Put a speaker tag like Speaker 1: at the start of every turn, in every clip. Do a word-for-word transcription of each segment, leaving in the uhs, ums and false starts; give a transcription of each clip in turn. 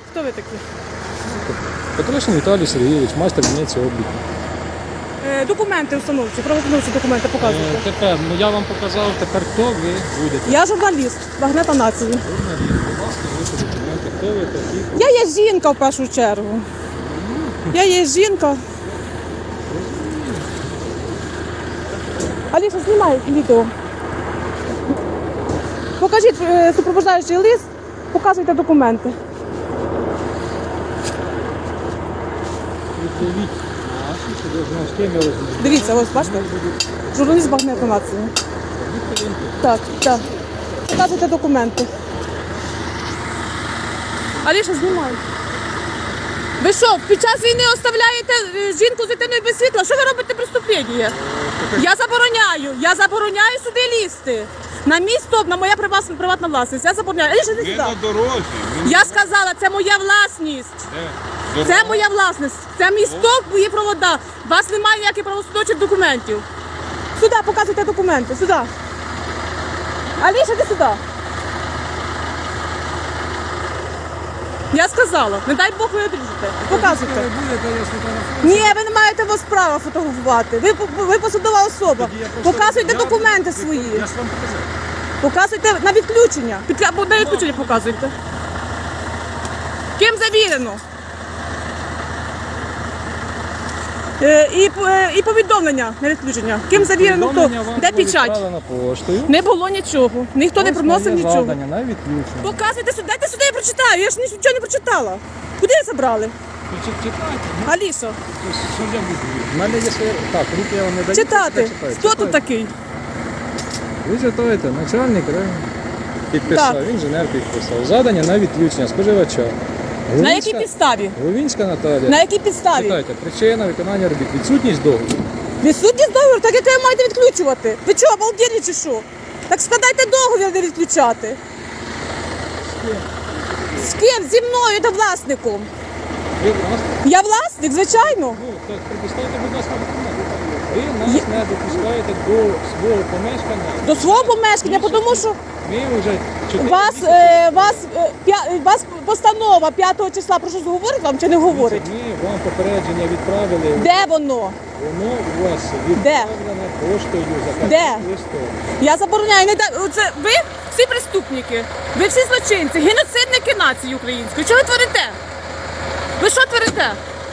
Speaker 1: Хто ви такі?
Speaker 2: Петришин Віталій Сергійович, майстер дільниці обліку.
Speaker 1: Е, документи установчі, правоустановчі документи показуйте.
Speaker 2: Е, Тепер, ну я вам показав, тепер хто ви будете.
Speaker 1: Я журналіст, Багнета Нації.
Speaker 2: Журналіст, будь ласка, ваші документи, хто ви такі.
Speaker 1: Я є жінка в першу чергу. Я є жінка. Аліша, знімай відео. Покажіть е, супроводжаючий лист, показуйте документи.
Speaker 2: Відповідь наші, що ви знали, з ким я розмовляю.
Speaker 1: Дивіться, ось бачите? Журналіст Багнета Нації. Так, так. Показуйте документи. Аліша, знімай. Ви що, під час війни оставляєте е, жінку з дитиною без світла? Що ви робите преступлення? Я забороняю, я забороняю сюди лізти. На мій стоп, на моя приватна, приватна власність. Я забороняю. Аліша, іди
Speaker 3: Ми
Speaker 1: сюди.
Speaker 3: на дорозі. Ми
Speaker 1: Я сказала, це моя власність.
Speaker 3: не-
Speaker 1: Це моя власність. Це мій стоп, мої провода. У вас немає ніяких правоустановчих документів. Сюди, показуйте документи, сюди. Аліша, іди сюди. Я сказала, не дай Бог ви одріжете. Показуйте. Ні, ви не маєте вас права фотографувати. Ви, ви посадова особа. Показуйте документи свої.
Speaker 2: Я ж вам показав.
Speaker 1: Показуйте на відключення. Під, або на відключення показуйте. Ким завірено? Е, і, е, і повідомлення на відключення. Ким завірено, хто?
Speaker 2: Повідомлення вам
Speaker 1: Де
Speaker 2: було
Speaker 1: печать?
Speaker 2: відправлено поштою.
Speaker 1: Не було нічого. Ніхто не
Speaker 2: Ось
Speaker 1: приносив
Speaker 2: моє
Speaker 1: нічого.
Speaker 2: завдання на відключення.
Speaker 1: Показуйте сюди, дайте сюди, я прочитаю. Я ж нічого не прочитала. Куди ви забрали?
Speaker 2: Читайте.
Speaker 1: Аліша,
Speaker 2: Що я буду? У мене є своє... Так, руки я вам не даю.
Speaker 1: читати.
Speaker 2: Читайте.
Speaker 1: Хто тут такий?
Speaker 2: Ви читаєте, начальник району підписав,
Speaker 1: Так.
Speaker 2: інженер підписав. Задання на відключення споживача.
Speaker 1: На якій підставі?
Speaker 2: Гловінська Наталія.
Speaker 1: На якій підставі?
Speaker 2: Читайте, причина виконання робіт, відсутність договору.
Speaker 1: Відсутність договору, так як ви маєте відключувати. Ви що, обалдєлі чи що? Так складайте договір, не відключати. З ким? Зі мною та власником.
Speaker 2: Ви нас,
Speaker 1: Я власник, звичайно.
Speaker 2: ну, так, предоставте, будь ласка, документи. Ви нас не допускаєте до свого помешкання.
Speaker 1: До свого помешкання, тому що
Speaker 2: Ми вже чотири
Speaker 1: вас,
Speaker 2: місяці-
Speaker 1: е, вас, е, п'я- вас постанова п'ятого числа про щось говорить вам чи не говорить?
Speaker 2: Ми вам попередження відправили.
Speaker 1: Де воно?
Speaker 2: Воно у вас відправлено поштою за
Speaker 1: Де?
Speaker 2: листом.
Speaker 1: Я забороняю. Не да... Це ви всі преступники, ви всі злочинці, геноцидники нації української. Що ви творите? Ви що творите?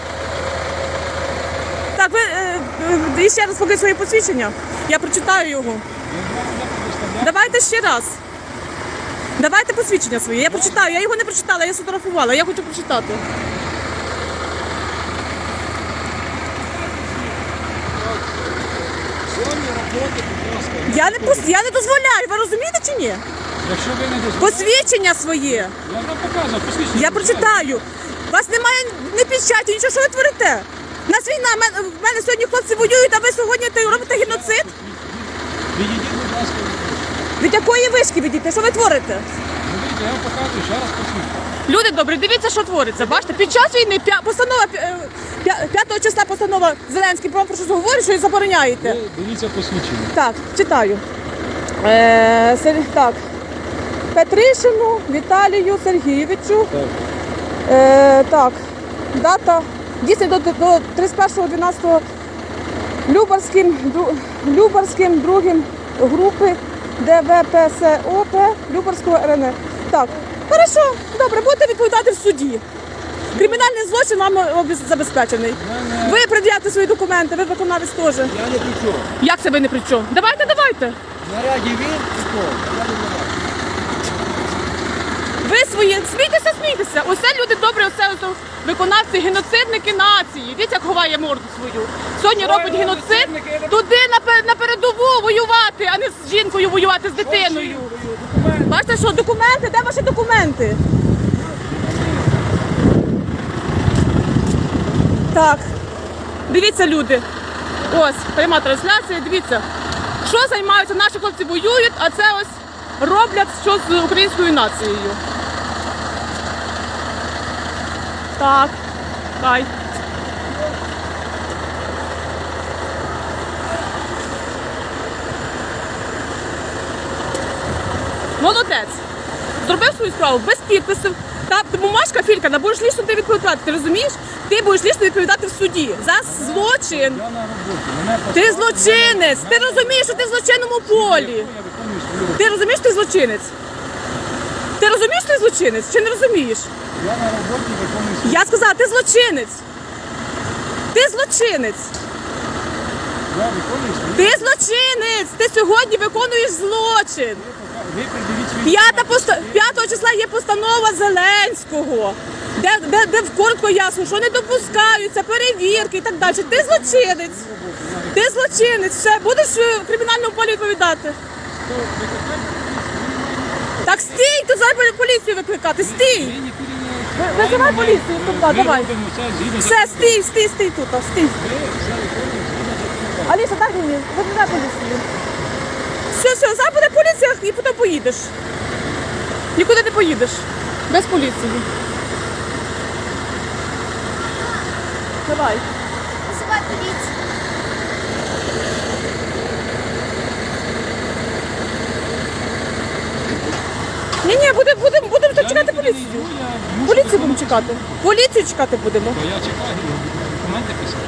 Speaker 1: Так, ви е, е, ще раз покажіть своє посвідчення. Я прочитаю його. Давайте ще раз. Давайте посвідчення своє. Я прочитаю. Я його не прочитала, я сфотографувала. Я хочу прочитати.
Speaker 2: Зоні роботи, будь ласка.
Speaker 1: Я не пос- я не дозволяю. Ви розумієте чи ні?
Speaker 2: Якщо ви не дозволите,
Speaker 1: Посвідчення своє.
Speaker 2: я вам показав, посвідчення.
Speaker 1: Я прочитаю. У вас немає ні печаті, нічого, що ви творите? У нас війна, в мене, в мене сьогодні хлопці воюють, а ви сьогодні ти робите геноцид?
Speaker 2: Відійдіть, будь ласка, від
Speaker 1: Від якої вишки відійти? Що ви творите?
Speaker 2: Ну, дивіться, я вам показую, ще раз посвідчення.
Speaker 1: Люди добрі, дивіться, що твориться. Бачите, під час війни п'я- постанова е, п'я- п'ятого числа постанова Зеленський про про що говорить, що ви забороняєте.
Speaker 2: Ви дивіться посвідчення.
Speaker 1: Так, читаю. Е, Сер- так. Петришину Віталію Сергійовичу.
Speaker 2: Так.
Speaker 1: Е, так, дата дійсно до, до тридцять першого дванадцятого Любарським, дру- Любарським другим групи ДВПСОП Любарського РН. Так, хорошо, добре, будете відповідати в суді. Кримінальний злочин вам обез- забезпечений. Ви пред'явте свої документи, ви виконавець теж.
Speaker 3: Я не при чому.
Speaker 1: Як це ви не при чому? Давайте, давайте.
Speaker 3: Наряді він і то. Я не знаю.
Speaker 1: Ви свої, смійтеся, смійтеся. Оце люди добрі, оце ось виконавці, геноцидники нації. Дивіться, як ховає морду свою. Сьогодні робить геноцид, туди на, пе- на передову воювати, а не з жінкою воювати, з дитиною. Бачите, що документи? Де ваші документи? Так, дивіться, люди. Ось, пряма трансляція, дивіться. Що займаються, наші хлопці воюють, а це ось роблять що з українською нацією. Так, хай. Молодець. Зробив свою справу без підписів, Та бумажка фількана, будеш лічно ти відповідати, ти розумієш? Ти будеш лічно відповідати в суді за злочин.
Speaker 2: Я на роботі. Мене
Speaker 1: Ти
Speaker 2: поставили
Speaker 1: злочинець,
Speaker 2: на-
Speaker 1: ти розумієш, що ти в злочинному полі.
Speaker 2: Я виконую свою роботу.
Speaker 1: Ти розумієш, що ти злочинець? Ти розумієш, що ти злочинець? Чи не розумієш?
Speaker 2: Я на роботі виконую свою
Speaker 1: Я сказала, ти злочинець. Ти злочинець.
Speaker 2: Я виконую свою
Speaker 1: Ти злочинець. Ти сьогодні виконуєш злочин.
Speaker 2: Ви придивіть свої
Speaker 1: П'ята
Speaker 2: документи.
Speaker 1: поста... п'ятого числа є постанова Зеленського, де, де, де коротко ясно, що не допускаються перевірки і так далі. Ти злочинець. Ти злочинець. Все, будеш е, в кримінальному полі відповідати. Так стій, тут зараз буде поліцію викликати. Стій.
Speaker 2: Ви нікуди не-
Speaker 1: Ви- Визивай поліцію тут, да,
Speaker 2: Ми
Speaker 1: давай.
Speaker 2: робимо це згідно
Speaker 1: Все,
Speaker 2: закону.
Speaker 1: стій, стій, стій тут, а, стій.
Speaker 2: Ви все виконуєте згідно закону.
Speaker 1: Аліса, дай мені, викликай поліцію. Все, все, зараз буде поліція і потім поїдеш. Нікуди не поїдеш. Без поліції. Давай.
Speaker 4: Вызывай полицию.
Speaker 1: Ні, ні, будемо будем, будем тут
Speaker 2: Я
Speaker 1: чекати
Speaker 2: нікуди не
Speaker 1: поліцію.
Speaker 2: йду, я мушу
Speaker 1: Поліцію будемо
Speaker 2: виконувати.
Speaker 1: чекати. Поліцію чекати будемо.
Speaker 2: То я чекаю, документи писати.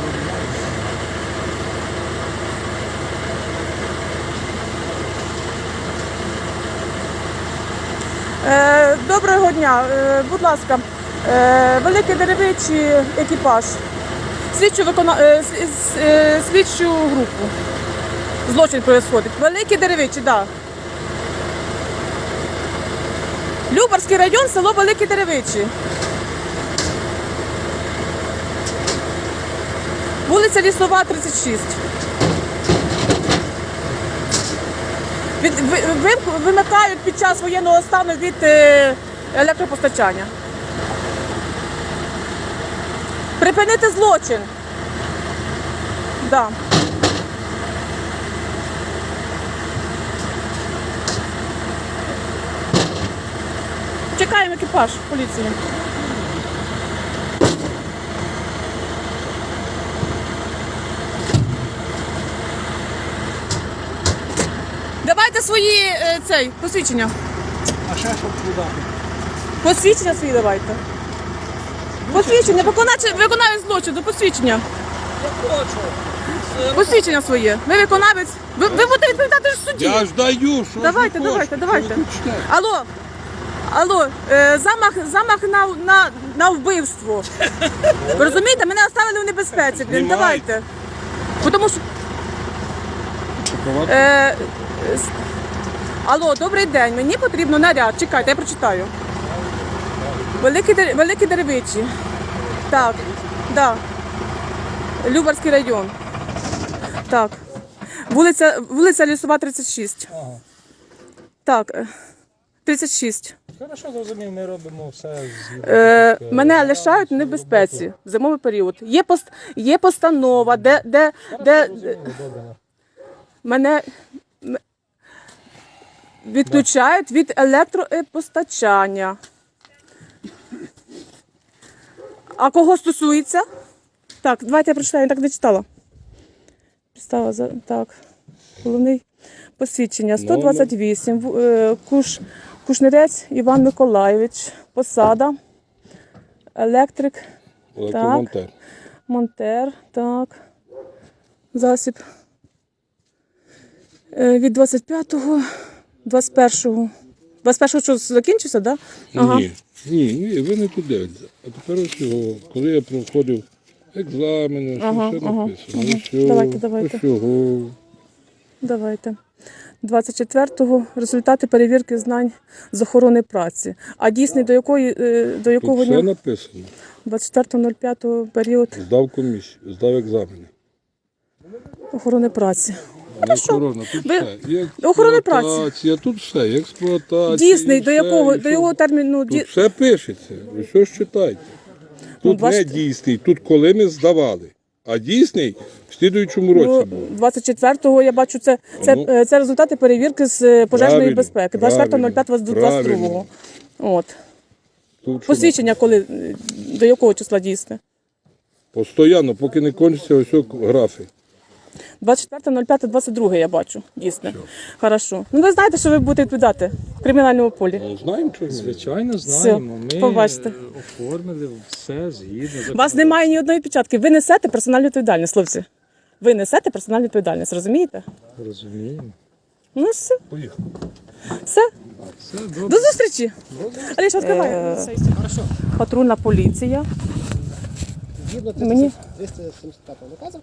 Speaker 1: Е, доброго дня. Е, будь ласка, е, великий деревичий екіпаж. Слідчу, викона... е, с- с- е, слідчу групу. Злочин відбувається. Великий деревичий, так. Да. Любарський район, село Великі Деревичі. Вулиця Лісова, тридцять шість. Від, ви, ви- вимикають під час воєнного стану від е, електропостачання. Припинити злочин. Да. Чекаємо екіпаж поліції. Давайте свої е, цей, посвідчення.
Speaker 2: А ще що подати?
Speaker 1: Посвідчення свої давайте. Посвідчення, виконавець виконавець злочину, посвідчення. Посвідчення своє. Ви виконавець. Ви, ви будете відповідати в суді.
Speaker 3: Я ж даю, що
Speaker 1: Давайте,
Speaker 3: ж ви
Speaker 1: давайте,
Speaker 3: хочете,
Speaker 1: давайте.
Speaker 3: що ви хочете?
Speaker 1: Алло, алло, е, замах, замах на, на, на вбивство. Ви розумієте, мене оставили в небезпеці. Блін,
Speaker 3: Знімай.
Speaker 1: давайте. Бо Тому що. Е, с- алло, добрий день. Мені потрібно наряд. Чекайте, я прочитаю. Великі, Дер- Великі Деревичі. Так, да. Любарський район. Так. Вулиця, вулиця Лісова, тридцять шість.
Speaker 2: Ага.
Speaker 1: Так, е, тридцять шість.
Speaker 2: Хорошо, зрозумів, ми робимо все з
Speaker 1: Е, мене лишають в небезпеці в зимовий період. Є, пост, є постанова, де, де, де
Speaker 2: Зрозуміло, добре.
Speaker 1: мене м- відключають від електропостачання. А кого стосується? Так, давайте я прочитаю, я так не читала. Підстава за так. Головний посвідчення сто двадцять вісім. Ву- е, Куш, Кушнерець Іван Миколайович. Посада. Електрик.
Speaker 3: Електромонтер.
Speaker 1: Монтер. Так. Засіб. Е, Від двадцять п'ятого, двадцять першого. двадцять першого що закінчився, так? Да? Ага.
Speaker 3: Ні, ні, ні, ви не туди. А тепер ось його, коли я проходив екзамени, що
Speaker 1: Ага,
Speaker 3: все
Speaker 1: ага,
Speaker 3: написано.
Speaker 1: ага.
Speaker 3: Ось цього,
Speaker 1: Давайте, давайте.
Speaker 3: ось цього.
Speaker 1: Давайте. двадцять четвертого результати перевірки знань з охорони праці. А дійсний до якої е, до
Speaker 3: Тут
Speaker 1: якого
Speaker 3: все
Speaker 1: дня?
Speaker 3: написано.
Speaker 1: двадцять четвертого п'ятого період
Speaker 3: Здав комісію, здав екзамени.
Speaker 1: охорони праці.
Speaker 3: Не охорона, тут
Speaker 1: Ви-
Speaker 3: все. І
Speaker 1: охорони праці.
Speaker 3: експлуатація, тут все, і експлуатація.
Speaker 1: Дійсний
Speaker 3: і
Speaker 1: до
Speaker 3: все,
Speaker 1: якого
Speaker 3: і
Speaker 1: до
Speaker 3: що-
Speaker 1: його терміну
Speaker 3: Тут
Speaker 1: ді...
Speaker 3: все пишеться, ви що ж читайте.
Speaker 1: Ну,
Speaker 3: Тут не
Speaker 1: бачите.
Speaker 3: дійсний, тут коли ми здавали. А дійсний в слідуючому році
Speaker 1: Ну,
Speaker 3: був.
Speaker 1: двадцять четвертого я бачу, це, це,
Speaker 3: Ну,
Speaker 1: е, це результати перевірки з е, пожежної
Speaker 3: правильно,
Speaker 1: безпеки. двадцять четвертого п'ятого двадцять другого.
Speaker 3: правильно.
Speaker 1: От.
Speaker 3: Тут що
Speaker 1: Посвідчення коли е, до якого числа дійсне?
Speaker 3: Постоянно, поки не кончиться ось о графи.
Speaker 1: двадцять четверте п'яте двадцять друге я бачу, дійсно. Хорошо. Ну ви знаєте, що ви будете відповідати в кримінальному полі.
Speaker 3: Ну, знаємо, що
Speaker 2: Звичайно, знаємо. Ми
Speaker 1: побачите.
Speaker 2: е, оформили все згідно.
Speaker 1: У вас немає ні одної печатки. Ви несете персональну відповідальність, хлопці. Ви несете персональну відповідальність, розумієте?
Speaker 2: Розуміємо.
Speaker 1: Ну все.
Speaker 3: Поїхали.
Speaker 1: Все.
Speaker 2: Все добре.
Speaker 1: До зустрічі. Аліша, відкривай. Патрульна поліція.
Speaker 4: Згідно
Speaker 1: Мені-
Speaker 4: триста сімдесят п'ятого наказу,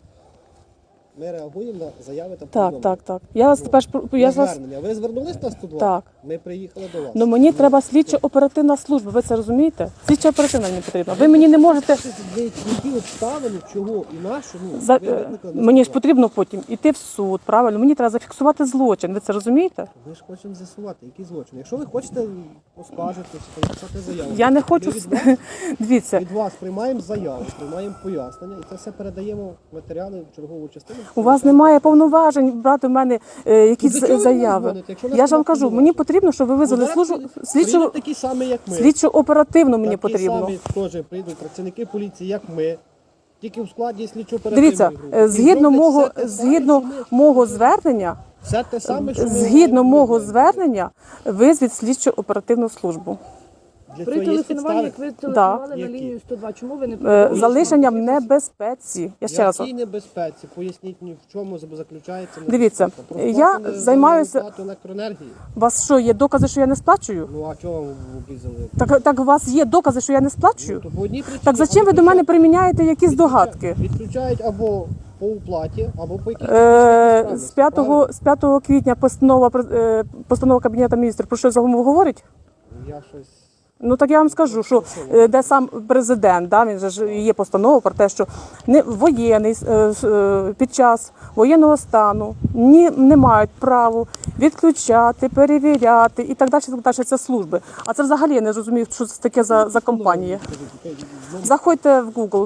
Speaker 4: ми реагуємо на заяви та
Speaker 1: Так,
Speaker 4: повідомлення.
Speaker 1: так, так. Я вас тепер ж-
Speaker 4: На
Speaker 1: я ж вас.
Speaker 4: звернення. Ви звернулись на сто два?
Speaker 1: Так.
Speaker 4: Ми приїхали до вас.
Speaker 1: Ну мені треба слідчо оперативна служба. Ви це розумієте? Слідчо оперативна мені потрібна. Ви мені не можете.
Speaker 4: Ви які обставини, чого і на що, ну,
Speaker 1: За...
Speaker 4: ви викликали на
Speaker 1: Мені ж
Speaker 4: сто два.
Speaker 1: потрібно потім іти в суд, правильно? Мені треба зафіксувати злочин. Ви це розумієте?
Speaker 4: Ми ж хочемо з'ясувати, який злочин. Якщо ви хочете поскаржитися, написати заяву.
Speaker 1: Я не хочу.
Speaker 4: Ми від вас,
Speaker 1: Дивіться,
Speaker 4: від вас приймаємо заяву, приймаємо пояснення і це все передаємо в матеріали в чергову частину.
Speaker 1: у вас немає повноважень брати в мене е, якісь
Speaker 4: Ну, до чого ви
Speaker 1: заяви.
Speaker 4: дзвоните, якщо в нас
Speaker 1: Я ж вам
Speaker 4: немає
Speaker 1: кажу,
Speaker 4: повноважень?
Speaker 1: мені потрібно, щоб ви визвали
Speaker 4: Зараз
Speaker 1: службу
Speaker 4: прийдуть-
Speaker 1: слідчо,
Speaker 4: прийдуть такі самі, як ми.
Speaker 1: слідчо оперативно мені
Speaker 4: Такі
Speaker 1: потрібно.
Speaker 4: самі теж прийдуть працівники поліції, як ми, тільки в складі слідчо-оперативної
Speaker 1: Дивіться,
Speaker 4: групи.
Speaker 1: е,
Speaker 4: І
Speaker 1: згідно
Speaker 4: зроблять
Speaker 1: мого
Speaker 4: все те саме,
Speaker 1: згідно
Speaker 4: що ми.
Speaker 1: мого звернення,
Speaker 4: Все те саме, що ми
Speaker 1: згідно
Speaker 4: робимо.
Speaker 1: мого звернення, визвіть слідчо оперативну службу.
Speaker 4: Для
Speaker 5: При
Speaker 4: цього є
Speaker 5: телефонуванні,
Speaker 4: підстави.
Speaker 5: як ви телефонували на
Speaker 4: Які?
Speaker 5: лінію сто два, чому ви не
Speaker 1: Е,
Speaker 5: повідомили?
Speaker 1: Залишення в небезпеці. Я ще раз.
Speaker 4: Якій небезпеці? Поясніть мені, в чому заключається
Speaker 1: Дивіться,
Speaker 4: небезпека. Про
Speaker 1: я
Speaker 4: сплату не-
Speaker 1: займаюся-
Speaker 4: не сплату електроенергії.
Speaker 1: У вас що, є докази, що я не сплачую?
Speaker 4: Ну а чого вам обрізали?
Speaker 1: Так, так у вас є докази, що я не сплачую?
Speaker 4: То по одній причині.
Speaker 1: Так зачем ви до мене приміняєте якісь догадки?
Speaker 4: Відключають або по уплаті, або по якійсь
Speaker 1: Е,
Speaker 4: технічній
Speaker 1: з
Speaker 4: справі,
Speaker 1: п'ятого
Speaker 4: правильно?
Speaker 1: з п'ятого квітня постанова про- е, постанова Кабінету міністрів про що загалом говорить?
Speaker 4: Я щось...
Speaker 1: Ну так я вам скажу, що е, де сам президент, да, він же ж є постанова про те, що не воєнний е, е, під час воєнного стану ні не мають права відключати, перевіряти і так далі. Так далі. Це служби. А це взагалі я не розумію, що це таке за, за компанія. Заходьте в Google.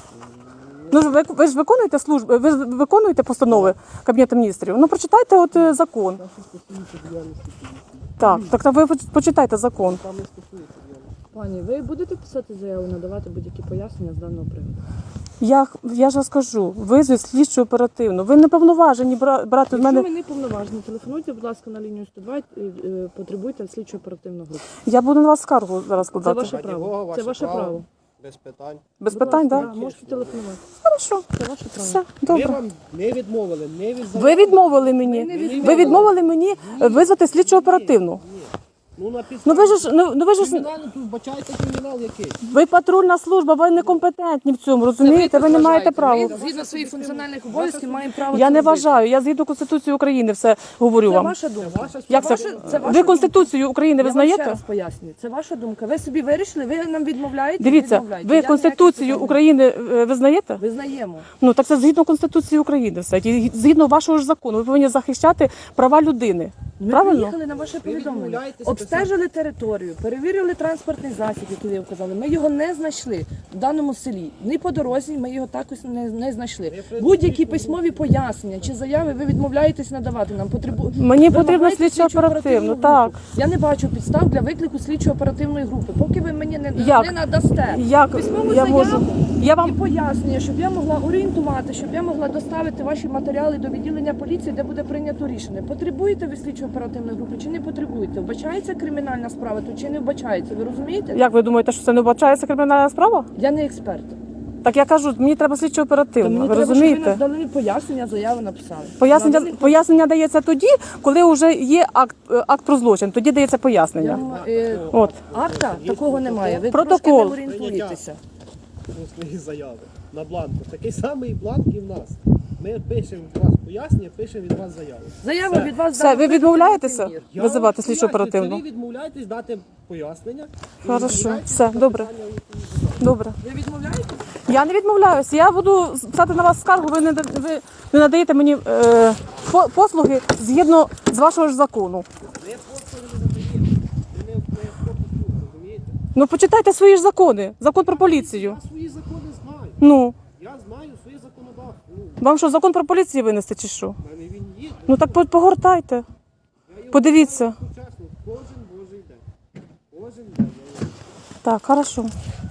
Speaker 1: Ну ж ви, ви ж виконуєте служби, ви ж виконуєте постанови Кабінету міністрів. Ну прочитайте от е, закон. Так, так, так ви почитайте закон.
Speaker 5: Пані, ви будете писати заяву, надавати будь-які пояснення з даного приводу?
Speaker 1: Я, я ж розкажу, визвіть слідчу оперативно. Ви не повноважені бра- брати в
Speaker 5: Якщо
Speaker 1: мене.
Speaker 5: ви не повноважені, телефонуйте, будь ласка, на лінію сто два, і, е, потребуйте слідчо оперативну групу.
Speaker 1: Я буду на вас скаргу зараз
Speaker 5: Це
Speaker 1: складати.
Speaker 5: ваше право. Це ваше право.
Speaker 4: Без питань.
Speaker 1: Без
Speaker 5: Будь
Speaker 1: питань,
Speaker 5: ласка,
Speaker 1: так?
Speaker 5: да, можете телефонувати.
Speaker 1: Хорошо.
Speaker 5: Це ваше право.
Speaker 1: Все,
Speaker 4: Ми
Speaker 1: добре.
Speaker 4: вам не відмовили, не від
Speaker 1: Ви відмовили мені. Ви відмовили мені визвати слідчу оперативну.
Speaker 4: Ну, на
Speaker 1: Ну
Speaker 4: підставі.
Speaker 1: ви ж ну, ну ви ж
Speaker 4: Кримінальний, тут бачайте кримінал який.
Speaker 1: ви патрульна служба, ви некомпетентні в цьому, розумієте? Ви не маєте права.
Speaker 5: Ми згідно своїх функціональних обов'язків маємо право.
Speaker 1: Я
Speaker 5: це
Speaker 1: не
Speaker 5: робити.
Speaker 1: вважаю. Я згідно Конституції України все говорю
Speaker 5: Це
Speaker 1: вам.
Speaker 5: ваша думка.
Speaker 1: Як це?
Speaker 5: ваша- це ваша
Speaker 1: Ви Конституцію України
Speaker 5: Я вам ще
Speaker 1: визнаєте?
Speaker 5: раз пояснюю. Це ваша думка. Ви собі вирішили, ви нам відмовляєте?
Speaker 1: Дивіться,
Speaker 5: відмовляєте.
Speaker 1: ви
Speaker 5: Я
Speaker 1: Конституцію
Speaker 5: ніяких
Speaker 1: України е, визнаєте?
Speaker 5: питань не- Визнаємо.
Speaker 1: Ну так це згідно Конституції України все. І згідно вашого ж закону, ви повинні захищати права людини.
Speaker 5: Ми
Speaker 1: Правильно?
Speaker 5: приїхали на ваше повідомлення.
Speaker 4: відмовляєтеся
Speaker 5: Обстежили територію, перевірили транспортний засіб, який ви вказали. Ми його не знайшли в даному селі. Ні по дорозі ми його також не, не знайшли. Будь-які письмові пояснення чи заяви ви відмовляєтесь надавати нам. Потребу...
Speaker 1: Мені потрібно
Speaker 5: Вимагаєте
Speaker 1: слідчо-оперативну,
Speaker 5: слідчо-оперативну
Speaker 1: так.
Speaker 5: групу. Я не бачу підстав для виклику слідчо-оперативної групи. Поки ви мені не,
Speaker 1: Як?
Speaker 5: не надасте
Speaker 1: Як
Speaker 5: письмову
Speaker 1: я
Speaker 5: заяву
Speaker 1: можу? Я
Speaker 5: і
Speaker 1: вам
Speaker 5: пояснення, щоб я могла орієнтувати, щоб я могла доставити ваші матеріали до відділення поліції, де буде прийнято рішення. Потребуєте ви слідчо-оперативної групи чи не потребуєте? Вбачається кримінальна справа, то чи не вбачається? Ви розумієте?
Speaker 1: як ви думаєте, що це не вбачається кримінальна справа?
Speaker 5: Я не експерт.
Speaker 1: Так я кажу, мені треба слідчо
Speaker 5: То
Speaker 1: оперативно.
Speaker 5: мені
Speaker 1: Ви
Speaker 5: треба, щоб ви
Speaker 1: розумієте?
Speaker 5: нам дали пояснення, заяву написали.
Speaker 1: Пояснення
Speaker 5: Надали-
Speaker 1: пояснення дається тоді, коли вже є акт е, акт про злочин. Тоді дається
Speaker 5: Я
Speaker 1: пояснення.
Speaker 5: вам, е,
Speaker 1: От
Speaker 5: акта такого немає. Ви
Speaker 1: Протокол.
Speaker 5: трошки не орієнтуєтеся.
Speaker 4: свої заяви на бланку. Такий самий бланк і в нас. Ми пишемо від вас пояснення, пишемо від вас заяву.
Speaker 5: Заява від вас
Speaker 1: все,
Speaker 5: дала
Speaker 1: ви відмовляєтеся
Speaker 5: певний
Speaker 4: Я
Speaker 1: визивати
Speaker 4: вам
Speaker 1: слідчо
Speaker 4: пояснюю,
Speaker 1: оперативно?
Speaker 4: це Ви відмовляєтесь дати пояснення. і
Speaker 1: Хорошо,
Speaker 4: відмовляєтесь
Speaker 1: все,
Speaker 4: на
Speaker 1: добре.
Speaker 4: питання, які-
Speaker 1: Добре.
Speaker 5: Ви відмовляєте?
Speaker 1: Я не відмовляюся. Я буду писати на вас скаргу. Ви не да- ви не надаєте мені е, по- послуги згідно з вашого ж закону.
Speaker 4: Ми послуги не надаємо. Ми не, не пропустимо, розумієте?
Speaker 1: Ну почитайте свої ж закони. Закон про поліцію.
Speaker 4: Я свої закони знаю.
Speaker 1: Ну
Speaker 4: Я знаю своє законодавство. Ну,
Speaker 1: вам що, закон про поліцію винести чи що?
Speaker 4: в мене він є.
Speaker 1: Ну так по- погортайте.
Speaker 4: Я його
Speaker 1: Подивіться.
Speaker 4: знаю чесно, кожен божий день. Кожен день. я його
Speaker 1: Так, хорошо.